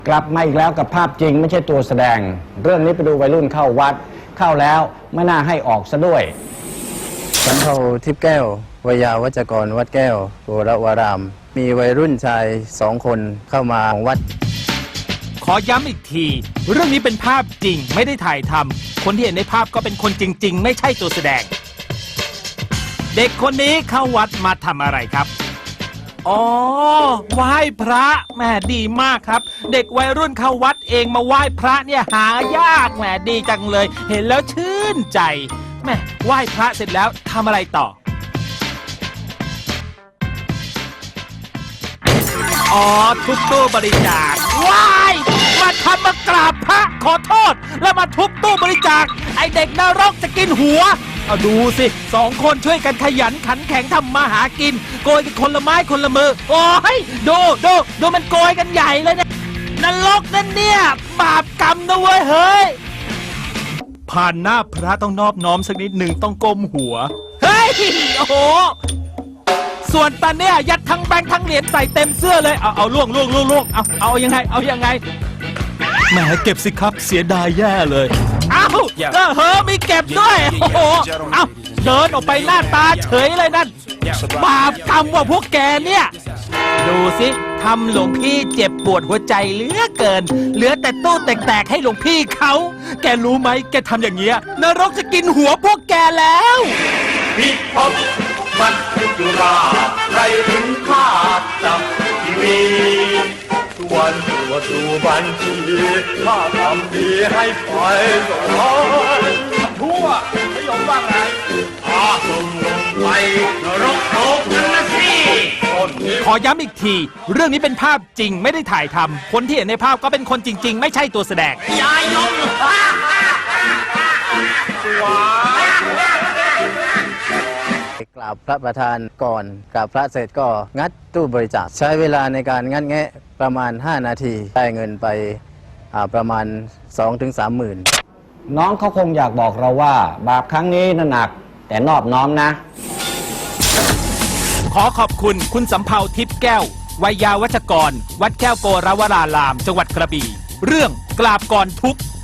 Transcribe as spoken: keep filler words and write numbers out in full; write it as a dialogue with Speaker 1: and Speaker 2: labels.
Speaker 1: กลับมาอีกแล้วกับภาพจริงไม่ใช่ตัวแสดงเรื่องนี้ไปดูวัยรุ่นเข้าวัดเข้าแล้วไม่น่าให้ออกซะด้วย
Speaker 2: สำเภาทิพย์แก้ววยาวัจกรวัดแก้วโกรวารามมีวัยรุ่นชายสองคนเข้ามาวัด
Speaker 3: ขอย้ำอีกทีเรื่องนี้เป็นภาพจริงไม่ได้ถ่ายทำคนที่เห็นในภาพก็เป็นคนจริงๆไม่ใช่ตัวแสดงเด็กคนนี้เข้าวัดมาทำอะไรครับอ๋อไหว้พระแหมดีมากครับเด็กวัยรุ่นเข้าวัดเองมาไหว้พระเนี่ยหายากแหมดีจังเลยเห็นแล้วชื่นใจแหมไหว้พระเสร็จแล้วทำอะไรต่ออ๋อทุบตู้บริจาคว้ายมาทำมากราบพระขอโทษแล้วมาทุบตู้บริจาคไอเด็กนรกจะกินหัวเอาดูสิสองคนช่วยกันขยันขันแข็งทำมาหากินโกยกันคนละไม้คนละมือโอ้ยดูดูดูมันโกยกันใหญ่เลยเนี่ยนรกนั่นเนี่ยบาปกรรมนะเว้ยเฮ้ยผ่านหน้าพระต้องนอบน้อมสักนิดหนึ่งต้องก้มหัวเฮ้ยโอ้โหส่วนตาเนี่ยยัดทั้งแบงค์ทั้งเหรียญใส่เต็มเสื้อเลยเอาเอาล่วงล่วงล่วงล่วงเอาเอายังไงเอายังไงแหมเก็บสิครับเสียดายแย่เลยเอ้าเออเฮ้อมีเก็บด้วยโอ้โหเอ้าเดินออกไปหน้าตาเฉยเลยนั่นบาปกรรมว่าพวกแกเนี่ยดูสิทำหลวงพี่เจ็บปวดหัวใจเหลือเกินเหลือแต่ตู้แตกๆให้หลวงพี่เขาแกรู้ไหมแกทำอย่างเงี้ยนรกจะกินหัวพวกแกแล้ว
Speaker 4: พี่พบมันคือจุราไรถึงข้าจับทีวีทุกวันตัวดูบัญชีข้าทำดีให้ไปสองร้อยทั่วไม่ยอมบ้างไงอาส่งลงไปนรกโลกนั่นนะสิ
Speaker 3: ขอย้ำอีกทีเรื่องนี้เป็นภาพจริงไม่ได้ถ่ายทำคนที่เห็นในภาพก็เป็นคนจริงๆไม่ใช่ตัวแสดง
Speaker 4: ยายยง
Speaker 2: กราบพระประธานก่อนกราบพระเสร็จก็งัดตู้บริจาคใช้เวลาในการงัดแงะประมาณห้านาทีได้เงินไปประมาณ สองถึงสาม หมื่น
Speaker 1: น้องเขาคงอยากบอกเราว่าบาปครั้งนี้น่ะหนักแต่นอบน้อมนะ
Speaker 3: ขอขอบคุณคุณสำเภาทิพย์แก้ววัยยาวัจกรวัดแก้วโกรวารารามจังหวัดกระบี่เรื่องกราบก่อนทุกข์